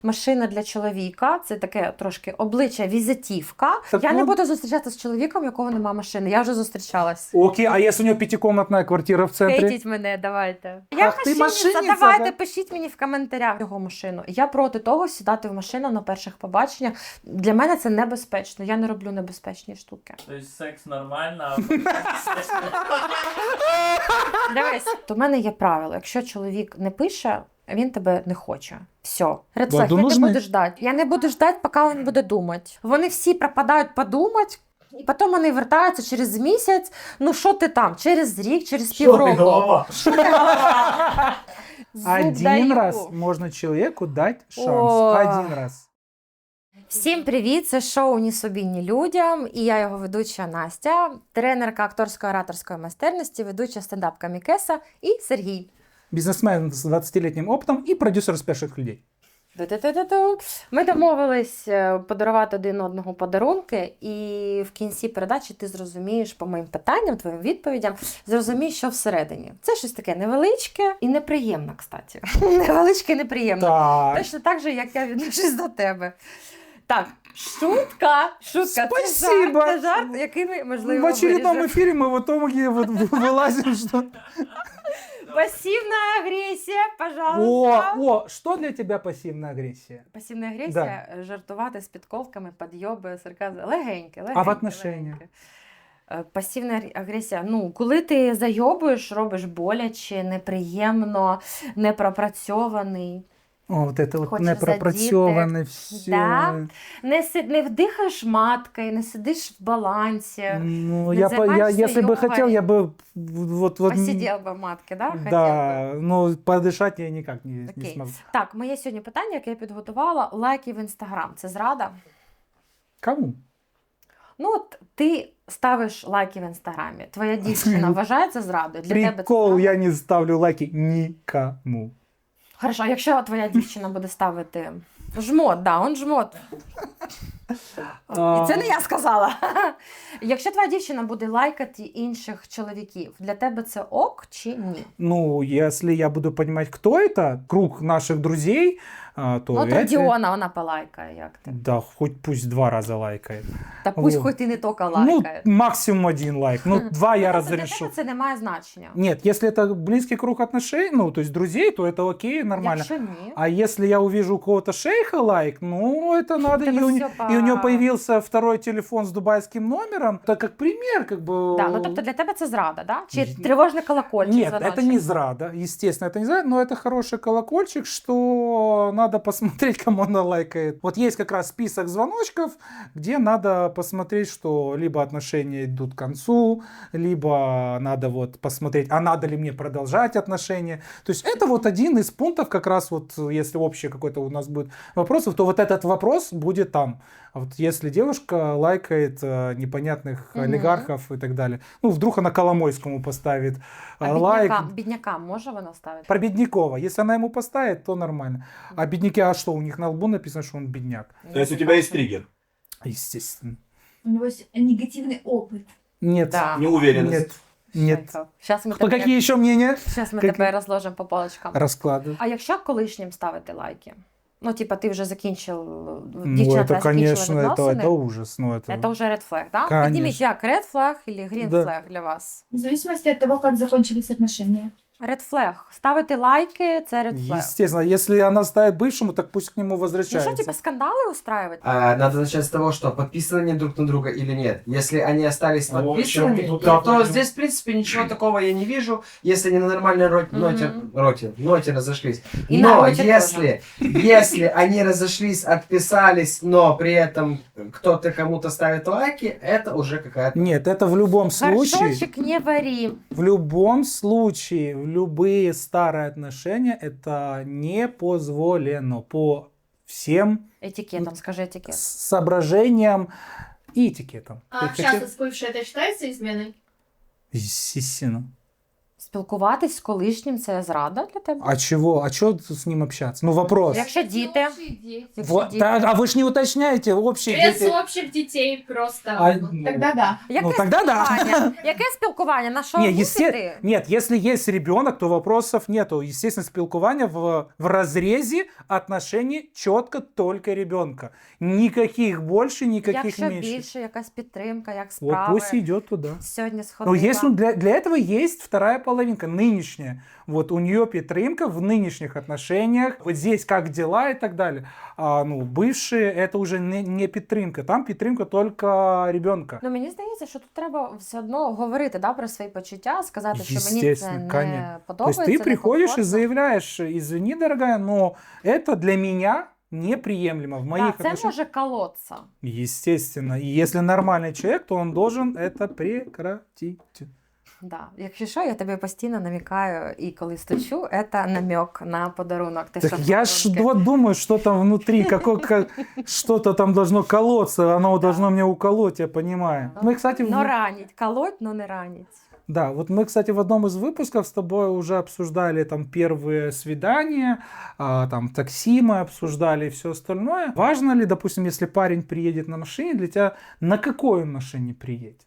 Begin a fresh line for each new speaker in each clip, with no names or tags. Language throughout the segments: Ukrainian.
Машина для чоловіка – це таке трошки обличчя, візитівка.
Так
я не
ну-
буду зустрічатися з чоловіком, у якого немає машини. Я вже зустрічалась.
Окей, а если у него пятикомнатная квартира в центре?
Хейтіть мене, давайте. Я
Ах, ти машинниця,
давайте,
да?
пишіть мені в коментарях його машину. Я проти того сідати в машину на перших побаченнях. Для мене це небезпечно. Я не роблю небезпечні штуки.
Тобто секс нормально, а
Дивись, то в мене є правило. Якщо чоловік не пише, він тебе не хоче. Все. Редфлег,
Ладно,
ти не
нужны.
будеш ждати. Я не буду ждати, поки він буде думати. Вони всі пропадають подумати, і потім вони вертаються через місяць. Ну що ти там? Через рік, через півроку. Зуб
Один
даю.
раз можно человеку дать шанс.
О.
Один раз.
Всім привіт! Це шоу «Ні собі, ні людям» і я його ведуча Настя, тренерка акторсько-ораторської майстерності, ведуча стендап Камікеса і Сергій.
Бизнесмен с 20-летним опытом и продюсер успешных людей.
Ту-ту-ту-ту-ту. Ми домовились подарувати один одному подарунки, і в кінці передачі ти зрозумієш по моїм питанням, твоїм відповідям, зрозумієш, що всередині. Це щось таке невеличке і неприємне, кстати. Невеличке і неприємне.
Так.
Точно так же, як я відношусь до тебе. Так, шутка.
Спасибо.
Це жарт, який ми, можливо,
В очередном
виріжемо.
эфире мы в итоге вылазим, что...
Пасивна агресія, пожалуйста.
О, что для тебя пассивная агрессия?
Пасивна агресія, жартувати з підковками, підйоби, сарказм. Легеньке.
А в отношениях?
Пасивна агресія. Ну, коли ти зайобуєш, робиш боляче, неприємно, непропрацьований.
О, вот это вот
Хочешь
непропрацьованное все.
Да. Не вдихаєш маткою, не сидиш в балансі.
Ну,
Не
я,
занимаешься
если бы
йогой.
хотел, я бы вот...
Посидів би матки, да? Хотів би.
Да, но подышать я никак не
Окей.
смогу.
Так, моє сьогодні питання, яке я підготувала. Лайки в Інстаграм. Це зрада?
Кому?
Ну, от ти ставиш лайки в Інстаграмі. Твоя дівчина вважає це зрадою? Для тебе це
Прикол,
зрада?
я не ставлю лайки никому.
Хорошо, а якщо твоя дівчина буде ставити жмот, да, он жмот. І це не я сказала. Якщо твоя дівчина буде лайкати інших чоловіків, для тебе це ок чи ні?
Ну, если я буду понимать, кто это, круг наших друзей, то...
Ну, от
это-
Родіона, вона полайкає, як ти.
Да, хоть пусть 2 раза лайкает.
Та пусть
Во.
хоч і не тільки
Ну,
лайкає.
максимум 1 лайк. Ну, 2 я
Тобто для
разрешу.
тебе це не має значення.
Нет, если это близкий круг отношений, ну, то есть друзей, то это окей, нормально.
Якщо ні,
А если я увижу у кого-то шейха лайк, ну, это надо.
Это
И у,
всё
и у него
по-
появился второй телефон с дубайским номером. Это как пример, как бы...
да, ну тобто для тебе це зрада, да? Чи тривожний колокольчик?
Нет,
дзвоночок?
это не зрада. Естественно, это не зрада, но это хороший колокольчик, что надо посмотреть, кому она лайкает. Вот есть как раз список звоночков, где надо посмотреть, что либо отношения идут к концу, либо надо вот посмотреть, а надо ли мне продолжать отношения. То есть это вот один из пунктов, как раз вот, если общий какой-то у нас будет вопросов, то вот этот вопрос будет там. А вот если девушка лайкает непонятных олигархов и так далее, ну, вдруг она Коломойскому поставит
А
лайк.
біднякам може вона ставити?
Про Беднякова. Если она ему поставит, то нормально. А бедняки, а что? У них на лбу написано, что он бедняк.
То есть у тебя есть триггер?
Естественно.
У него есть негативный опыт.
Нет.
Да.
Неуверенность.
Нет.
Сейчас ми,
Кто, какие еще мнения?
Щас ми
Какие?
тебе розложимо по полочкам.
Расклады.
А якщо колишнім ставити лайки? Ну, типа, ти вже закінчив,
Ну,
дівчина
это,
твоя
конечно,
закінчила
это
відносини.
ужас. Ну, это...
Це вже red flag, да?
Конечно.
Підніміть, як red flag или green
Да.
flag для вас?
В зависимости от того, как закончились отношения.
Red flag. Ставити лайки – це red flag.
Естественно, если она ставит бывшему, так пусть к нему
Ну
возвращается.
що, типа, скандали устраивать?
Надо начать с того, что подписаны они друг на друга или нет. Если они остались
Ну, в общем,
подписанными,
тут
то
я
здесь, в принципе, ничего такого я не вижу, если они на нормальной ноте разошлись.
И на
Но
роте
если они разошлись, отписались, но при этом кто-то кому-то ставит лайки, это уже какая-то...
Нет, это в любом случае,
Горшочек не вари.
в любом случае, в любые старые отношения это не позволено по всем
Етикетом, скажи етикет.
соображениям и этикетам.
А общаться с бывшей это считается изменой?
Естественно.
Спілкуватись з колишнім це зрада для тебе?
А чего? А что с ним общаться? Ну, вопрос.
Якщо діти. Якщо
Вот,
діти.
да, а вы ж не уточняете общие
Без
дети.
общих детей просто.
А, ну,
Тогда да.
Яке
Ну, тогда да.
спілкування? Яке спілкування? На що
Не,
мусити?
Нет, если есть ребенок, то вопросов нету. Естественно, спилкование в разрезе отношений четко только ребенка. Никаких больше, никаких
Якщо
меньше.
більше, якась підтримка, як
Вот
справи.
пусть идет туда.
Сьогодні
Но
сходила.
есть, для этого есть вторая половинка, нынешняя. Вот у нее підтримка в нынешних отношениях. Вот здесь как дела и так далее. А ну, бывшие это уже не підтримка. Там підтримка только ребенка.
Ну, мені здається, що тут треба все одно говорити, да, про свої почуття, сказати, що мені це
Естественно,
не
конечно. То
подобається.
есть ты приходишь и
некомфортно.
заявляешь, извини, дорогая, но это для меня неприемлемо в моих
Так, це
отношениях.
може колоться.
Естественно. И если нормальный человек, то он должен это прекратить.
Да. Якщо що, я тобі постійно намікаю, і коли стучу, це намек на подарунок. Ти
Так
що,
я ж
подарунки?
вот думаю, что там внутри, что-то там должно колоться, оно должно мне уколоть, я понимаю. Мы, кстати,
Но ранить. Колоть, но не ранить.
да, вот мы, кстати, в одном из выпусков с тобой уже обсуждали там первые свидания, там такси мы обсуждали и все остальное. Важно ли, допустим, если парень приедет на машине, для тебя на какой он машине приедет?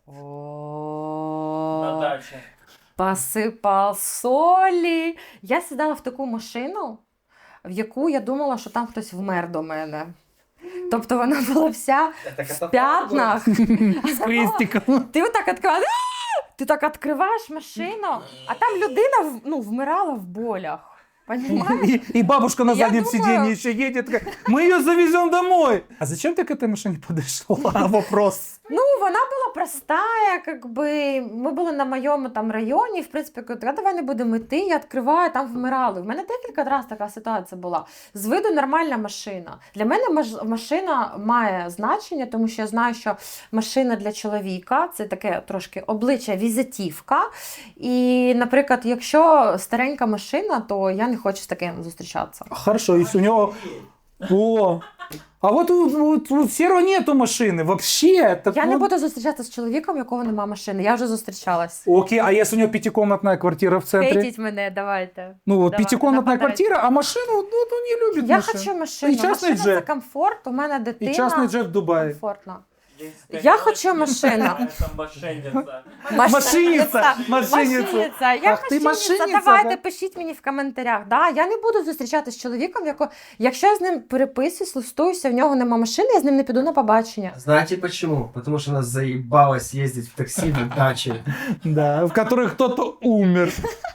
На даче.
Посипав солі. Я сідала в таку машину, в яку я думала, що там хтось вмер до мене. Тобто вона була вся в п'ятнах.
С крестиком.
Ти отак відкриваєш, ти так відкриваєш машину, а там людина вмирала в болях. Понимаешь?
И бабушка на
Я
заднем
думаю-
сиденье еще едет, такая, мы ее завезем домой. А зачем ты к этой машине подошла? Вопрос.
Ну, вона була простая, как би, ми були на моєму там районі, в принципі, кажу, давай не будемо йти, я відкриваю, там вмирали. У мене декілька разів така ситуація була. З виду нормальна машина. Для мене машина має значення, тому що я знаю, що машина для чоловіка – це таке трошки обличчя, візитівка. І, наприклад, якщо старенька машина, то я не хочу з таким зустрічатися.
Хорошо, если у него... О, а вот у Серого нету машины вообще. Так
Я не
вот-
буду зустрічатися з чоловіком, у якого немає машини. Я вже зустрічалась.
Окей, а если у него пятикомнатная квартира в центре?
Хейтіть мене, давайте.
Ну, вот
Давай,
пятикомнатная
нападай.
квартира, а машину, ну, не любит
Я
машину.
хочу машину.
І частний
Машина
джет.
це комфорт, у мене дитина.
И частный джет в Дубае.
Комфортно.
Есть
Я хочу машину.
Это мошенница.
Машиница, машиница.
Машиниця. Я
Ах, ти
машиниця.
машиниця,
Давайте,
да?
пишіть мені в коментарях. Да, я не буду зустрічатися з чоловіком, якщо я з ним переписуюсь, листуюся, в нього нема машини, я з ним не піду на побачення.
Знаете почему? Потому что она заебалась ездить в такси на даче.
Да, в которых кто-то умер.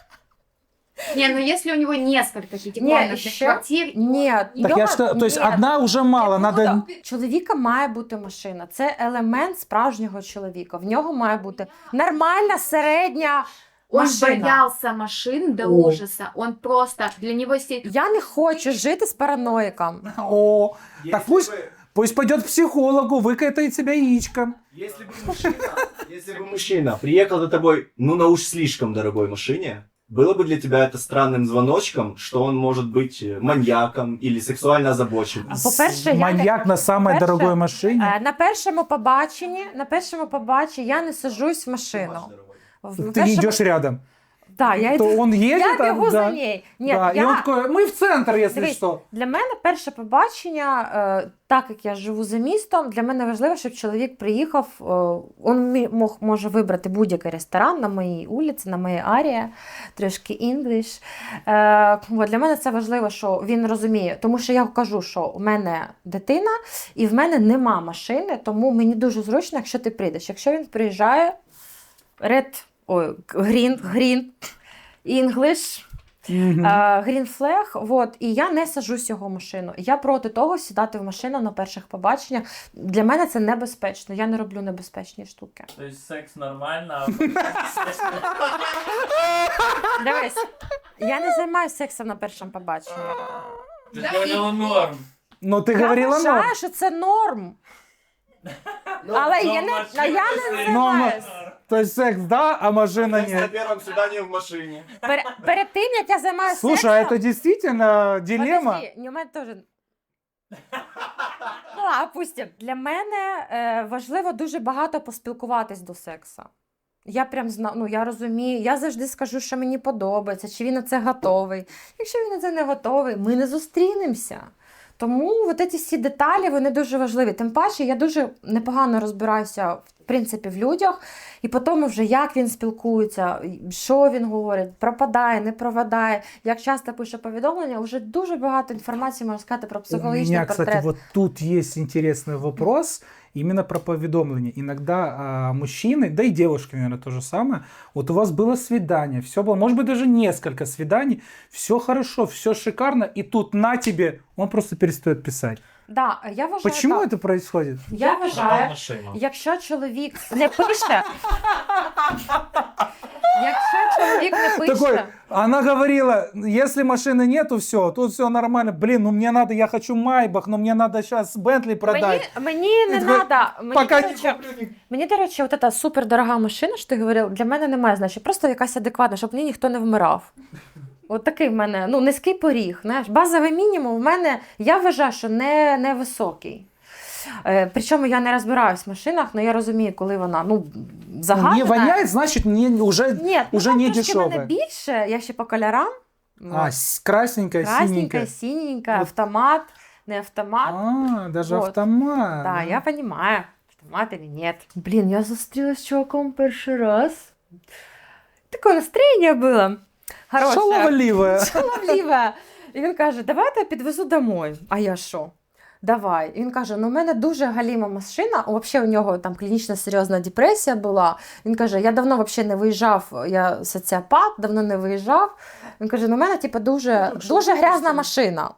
Не, ну если у него несколько пятикомнатных
еще-
квартир,
Ні,
Так я что, то есть
ні.
одна уже мало,
Не
надо...
буду. Чоловіка має бути машина. Це елемент справжнього чоловіка. В нього має бути нормальна середня
он
машина.
боялся машин до
О.
ужаса. Он просто, для него
Я не хочу жити з параноїком.
О, так пусть пойдет к психологу, выкатает себя яичком.
Если бы мужчина приехал за тобой, ну на уж слишком дорогой машине, было бы для тебя это странным звоночком, что он может быть маньяком или сексуально озабочен?
А по-перше, я не
Маньяк на самой
По-перше,
дорогой машине.
На першому побаченні я не сажусь в машину.
Ты идешь рядом.
Так, я
То
йду.
он едет,
Я
а,
бігу за
да.
нею. Ні,
Да, и он такой, мы в центр, если
Дивись,
что.
Для мене перше побачення, так як я живу за містом, для мене важливо, щоб чоловік приїхав, він може вибрати будь-який ресторан на моїй вулиці, на моїй арії, трошки інгліш. Для мене це важливо, що він розуміє, тому що я кажу, що у мене дитина і в мене нема машини, тому мені дуже зручно, якщо ти прийдеш. Якщо він приїжджає, green, English,
Мгм.
Green Flag, вот, і я не сажусь в його машину. Я проти того сідати в машину на перших побаченнях. Для мене це небезпечно. Я не роблю небезпечні штуки.
То есть секс нормально, а
Дивись, я не займаюся сексом на першому побаченні.
ты говорила норм.
Ну, ты
Я
говорила, но...
вважаю, що це норм. Але
Но
я не
машина
займаюся.
норм.
То есть секс да, а машина
Секс на
нет.
первом свидании в машине.
Перед тим, як я займаюся
Слушай, а
сексом...
это действительно дилемма?
Подожди, у мене теж... Ну, а опустим. Для мене важливо дуже багато поспілкуватись до сексу. Я прям знаю, ну я розумію, я завжди скажу, що мені подобається, чи він на це готовий. Якщо він на це не готовий, ми не зустрінемося. Тому от ці всі деталі, вони дуже важливі. Тим паче, я дуже непогано розбираюся, в принципі, в людях, і по тому вже, як він спілкується, що він говорить, пропадає, не пропадає, як часто пише повідомлення, вже дуже багато інформації можна сказати про
У
психологічний
меня,
портрет.
кстати, вот тут есть интересный вопрос именно про поведомление. Иногда мужчины, да и девушки, наверное, то же самое. Вот у вас было свидание, все было, может быть, даже несколько свиданий, все хорошо, все шикарно, и тут на тебе он просто перестает писать.
Да, я вважаю,
Почему
так.
это происходит?
Я вважаю,
машину.
якщо чоловік не пише, якщо чоловік не пише,
Такой, она говорила, если машины нету, все, тут все нормально. Блин, ну мне надо, я хочу Майбах, но мне надо сейчас Бентли продать.
мені не
Ти такий,
треба.
Пока не куплю ни-
Мені, до речі, от ця супердорога машина, що ти говорив, для мене немає значення. Просто якась адекватна, щоб мені ніхто не вмирав. От такий в мене, ну, низький поріг. Знаєш, базовий мінімум в мене, я вважаю, що не високий. Причому я не розбираюсь в машинах, але я розумію, коли вона, ну,
Ну,
загальна.
не воняет, значит, уже,
Ні,
уже
ну,
не
там трошки в мене
дешевая.
більше, я ще по кольорам.
Красненькая,
Красненькая,
синенькая.
синенькая,
Вот.
автомат, не автомат.
Даже
Вот.
автомат.
Да, я понимаю, автомат или нет. Блин, я зустрілась з чуваком перший раз. Такое настроєння було. Хороше.
Шаловливая.
Шаловливе. І він каже, давай я тебе підвезу домой. А я що? Давай. І він каже, ну в мене дуже галіма машина, взагалі у нього там клінічна серйозна депресія була. Він каже, я давно взагалі не виїжджав, я соціопат, давно не виїжджав. Він каже, ну в мене типу, дуже грязна машина.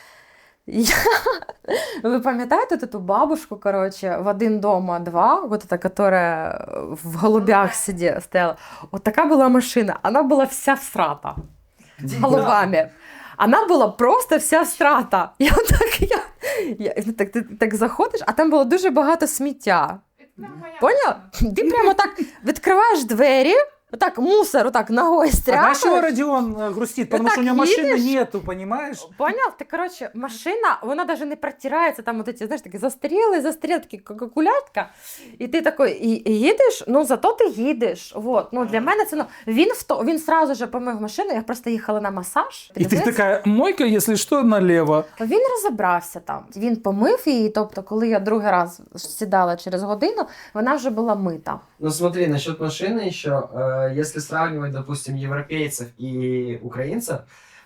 Ви пам'ятаєте ту бабушку, короче, в один дома два, вот эта, которая в голубях стояла? Вот такая была машина, она была вся всрата голубами. Она була просто вся всрата. Ти так заходиш, а там було дуже багато сміття. Поняв? Ти прямо так відкриваєш двері, отак мусор отак ногою
А знаешь, чего
стряпаєш.
Родион грустит? Потому
так
что у него машины
едешь?
нету, понимаешь?
Поняв? Ти, коротше, машина, вона навіть не протирається, там от ці, знаєш, такі застарілий, такі кулятка. І ти такий, і їдеш, ну зато ти їдеш. Вот. Ну, для мене це, ну, він сразу же помив машину, я просто їхала на масаж.
И ты такая, мойка, если что, налево.
Він розібрався там. Він помив її, тобто, коли я другий раз сідала через годину, вона вже була мита.
Ну смотри, насчет машины еще, если сравнивать, допустим, европейцев и украинцев,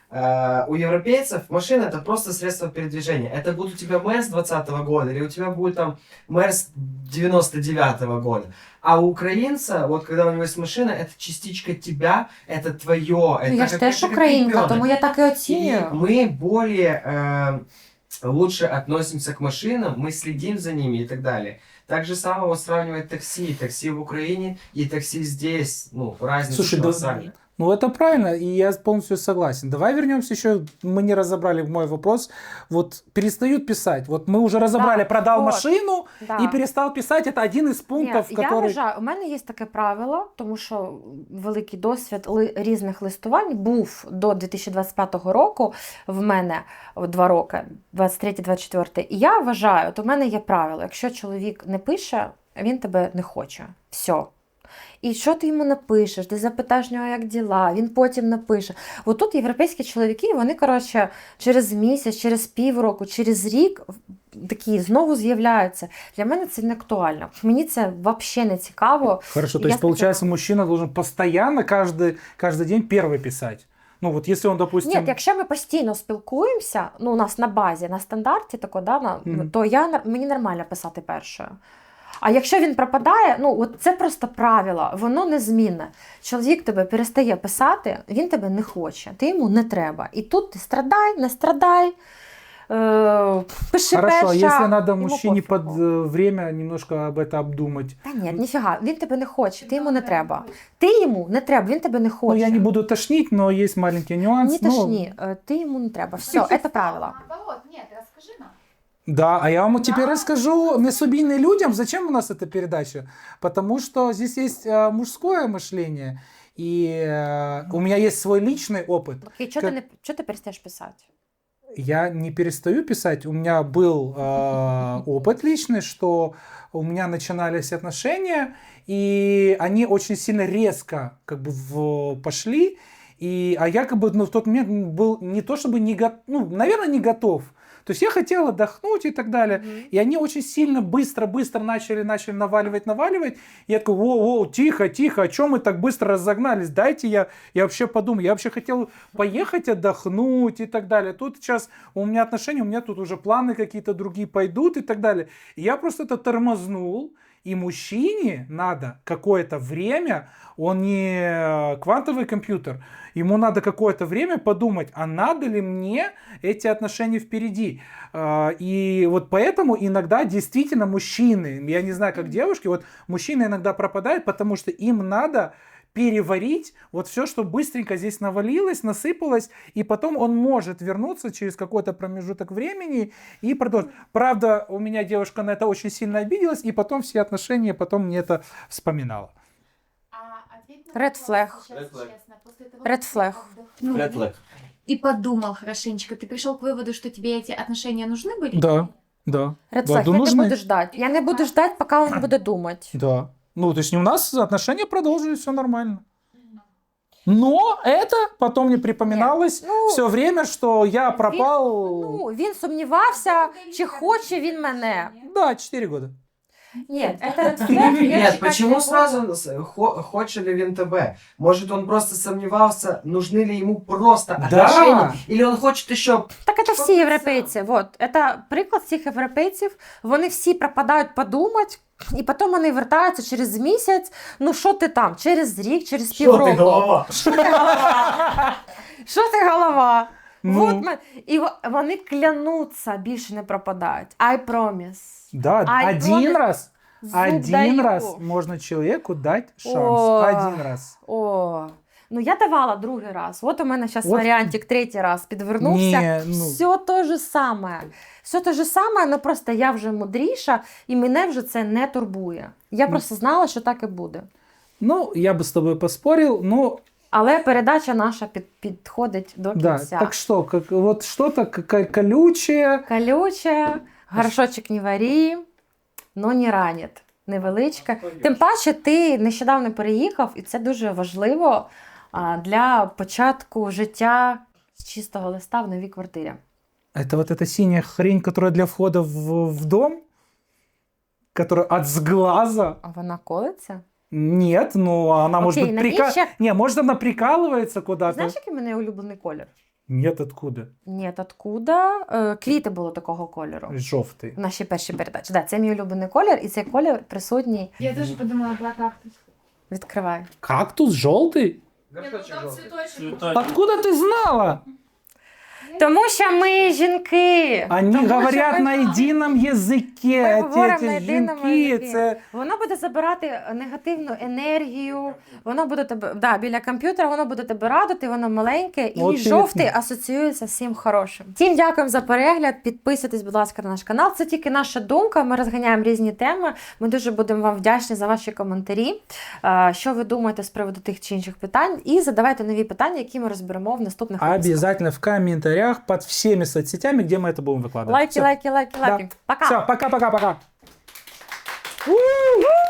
у европейцев машина это просто средство передвижения. Это будет у тебя Мерс 20-го года или у тебя будет там Мерс 99-го года. А у украинца, вот когда у него есть машина, это частичка тебя, это твое.
Ну, я ж теж українка, тому я так і
И
оцінюю.
мы более лучше относимся к машинам, мы следим за ними и так далее. Так же самого сравнивать такси. Такси в Украине и такси здесь. Ну, разница
Слушай, да,
колоссальная.
ну это правильно, и я полностью согласен. Давай вернемся еще, мы не разобрали мой вопрос. Вот перестают писать. Вот мы уже разобрали,
Да,
продал
вот.
машину
Да.
и перестал писать. Это один из пунктов,
Ні,
который...
Я вважаю, у мене є таке правило, тому що великий досвід різних листувань був до 2025 року в мене 2 роки, 23-24. І я вважаю, от у мене є правило, якщо чоловік не пише, він тебе не хоче. Все. І що ти йому напишеш, ти запитаєш нього, як діла, він потім напише. От тут європейські чоловіки, вони, коротше, через місяць, через півроку, через рік такі знову з'являються. Для мене це не актуально. Мені це взагалі не цікаво.
Хорошо, то
Я
есть получается, мужчина должен постоянно каждый день первый писать. Ну вот если он, допустим...
Ні, якщо ми постійно спілкуємося, ну, у нас на базі, на стандарті, тако, да,
Мгм.
то мені нормально писати першою. А якщо він пропадає, ну от це просто правило, воно незмінне. Чоловік тебе перестає писати, він тебе не хоче, ти йому не треба. І тут ти страдай, не страдай, пиши
Хорошо, а
перша.
если надо
йому
мужчине под
пофігу.
время немножко об это обдумать?
Та ні, ніфіга, він тебе не хоче, ти йому не треба. Ти йому не треба, він тебе не хоче.
Ну, я не буду тошнить, но есть маленький нюанс.
Не
ну,
тошні, ти йому не треба. Все, це правило.
Наоборот, нет, расскажи нам.
Да, а я вам теперь расскажу несубийным людям, зачем у нас эта передача. Потому что здесь есть мужское мышление, и у меня есть свой личный опыт.
Окей, чого ти перестаєш писати?
Я не перестаю писать. У меня был опыт личный, что у меня начинались отношения, и они очень сильно резко как бы пошли. А я как бы в тот момент был не то чтобы не готов, наверное, не готов. То есть я хотел отдохнуть и так далее. И они очень сильно быстро начали наваливать. И я такой, воу, тихо, о чем мы так быстро разогнались? Дайте я вообще подумаю. Я вообще хотел поехать отдохнуть и так далее. Тут сейчас у меня отношения, у меня тут уже планы какие-то другие пойдут и так далее. И я просто это тормознул. И мужчине надо какое-то время, он не квантовый компьютер, ему надо какое-то время подумать, а надо ли мне эти отношения впереди. И вот поэтому иногда действительно мужчины, я не знаю, как девушки, вот мужчины иногда пропадают, потому что им надо переварить вот все, что быстренько здесь навалилось, насыпалось, и потом он может вернуться через какой-то промежуток времени и продолжить. Правда, у меня девушка на это очень сильно обиделась, и потом все отношения, потом мне это вспоминала.
Red flag. Red flag.
Red flag.
И подумал хорошенечко. Ты пришел к выводу, что тебе эти отношения нужны были?
Да.
Red flag.
Да,
Я
нужны.
не буду ждать. Я не буду ждать, пока он буде думать.
Да. Ну, то есть у нас отношения продолжились, все нормально. Но это потом мне припоминалось все время, что я пропал.
Він сумнівався, чи хоче він мене.
Да, 4 года.
Ні, це red flag. Я
Нет,
чекати
почему
не буду.
сразу хочет ли він тебе? Может, он просто сомневался, нужны ли ему просто отношения, или он хочет еще...
Так це всі європейці. Вот. Це приклад всіх європейців. Вони всі пропадають подумати, і потім вони вертаються через місяць. Ну що ти там? Через рік, через півроку. Що ти голова?
Ну.
Вот і вони клянуться, більше не пропадають. I promise.
Да,
I
один
promise.
раз.
Зуб
Один
даю.
раз можно человеку дать шанс.
О.
Один раз.
О, ну я давала другий раз. От у мене зараз
От.
варіантик третій раз підвернувся.
Ні, ну.
Все те же саме. Все те же саме, але просто я вже мудріша, і мене вже це не турбує. Я просто знала, що так і буде.
Ну, я бы с тобой поспорил, но
Але передача наша підходить до
да.
кінця.
Так что, вот что-то колючее.
Колюче, горшочок не варі, но не ранить. Невеличке. Тим паче, ти нещодавно переїхав, і це дуже важливо для початку життя з чистого листа в новій квартирі.
Это вот эта синяя хрень, которая для входа в дом, которая от сглаза.
А вона колиться?
Нет, ну она может
Окей,
быть
навіщо?
Не, может она прикалывается куда-то.
Знаєш, який в мене улюблений колір?
Нет, откуда?
Ні, откуда? Квіти було такого кольору.
Жовтий.
В нашій першій передачі. Да, це мій улюблений колір, і цей колір присутній.
Я тоже подумала про кактус.
Відкривай.
Кактус желтый?
Цветочек.
Откуда ты знала?
Тому що ми жінки.
Они
Тому що
говорят
ми
на едином языке.
Ми говоримо на
Эти
єдиному
жінки,
язикі.
це...
Воно буде забирати негативну енергію, воно буде тебе біля комп'ютера, воно буде тебе радити, воно маленьке і
От
жовтий
і-
асоціюється з всім хорошим. Всім дякуємо за перегляд. Підписуйтесь, будь ласка, на наш канал. Це тільки наша думка. Ми розганяємо різні теми. Ми дуже будемо вам вдячні за ваші коментарі. Що ви думаєте з приводу тих чи інших питань? І задавайте нові питання, які ми розберемо в наступних випусках.
Обязательно в комментариях под всеми соцсетями, где мы это будем выкладывать.
Лайки,
Всё.
лайки, лайки, лайки. Пока.
Все, пока-пока-пока.